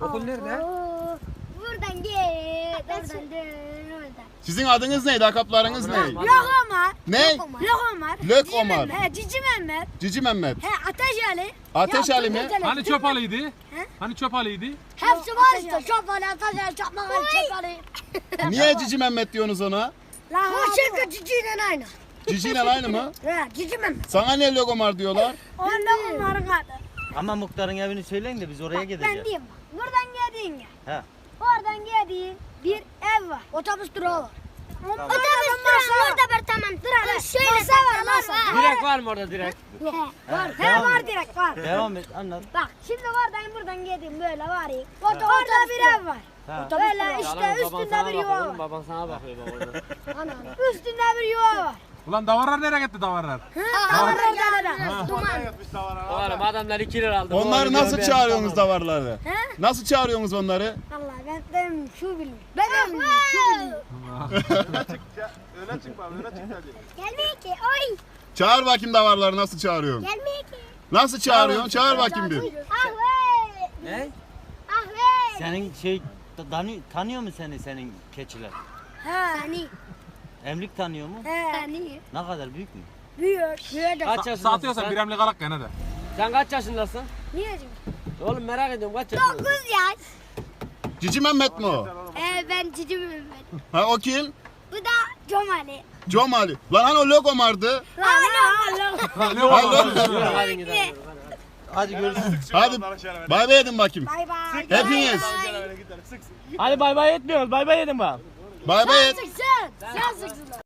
Okul nerede? Buradan git. Oradan dön. Oradan. Sizin adınız neydi? Lakaplarınız ne? Lok Ömer. Ne? Lok Ömer. Lök Ömer. He Cici Mehmet. Cici Mehmet. He Ateş Ali. Ateş Ali mi? Hani çöp alıydı? Hani çöp alıydı? Hepsi var işte. Çöp Ali, Ateş Ali, Çakmak Ali, Çöp Ali. Niye Cici Mehmet diyorsunuz ona? Bu çünkü Cici'yle aynı. Cici ile aynı mı? He Cici Mehmet. Sana niye Lök Ömer diyorlar? O Lok Ömer'in adı. Ama muhtarın evini söyleyin de biz oraya Ben gideceğiz. diyeyim bak. Buradan geldiğin ya. He. Oradan geldiğin bir ev var. Otobüs durağı var. Otobüs durağı orada bir tamam. Şöyle masa var masa. Direkt var mı orada direkt? Var. He devam var et. direkt var. Devam et anlat. Bak şimdi oradan geldim böyle var ya. Orada bir ev var. Ha. Böyle işte üstünde bir yuva var. Baban sana bakıyor bak orada. Üstünde bir yuva var. Ulan davarlar nereye gitti davarlar? Orada duman. Oğlum adamlar 2 lira aldı. Onları nasıl çağırıyorsunuz davarları? He? Nasıl çağırıyorsunuz onları? Allah ben şu bilmiyorum. Ben şu bilmiyorum. Öne çık bak, öne çık hadi. Gelmiyor ki. Oy. Çağır bakayım davarları nasıl çağırıyorsun? Gelmiyor ki. Nasıl çağırıyorsun? Çağır bakayım bir. Ahve. Ne? Ahve. Senin tanıyor mu senin keçiler? Ha. Seni. Emlik tanıyor mu? He. Seni. Ne kadar büyük mü? Büyüyor. Büyüyor da. Kaç yaşındasın Satıyorsan sen? bir emlik alak gene de. Sen kaç yaşındasın? Niye acaba? Oğlum merak ediyorum kaç yaşındasın? 9 yaş. Cici Mehmet mi o? Ben Cici Mehmet. Ha o kim? Bu da Comali. Comali. Lan hani o Lök Ömer'di. Allah. Hadi gidelim. Hadi görüşürüz. Hadi bay bay edin bakayım. Bay bay. Hepiniz. Hadi bay bay etmiyoruz. Bay bay edin bak. Bay bay et. Sıksın. Sen sıksın.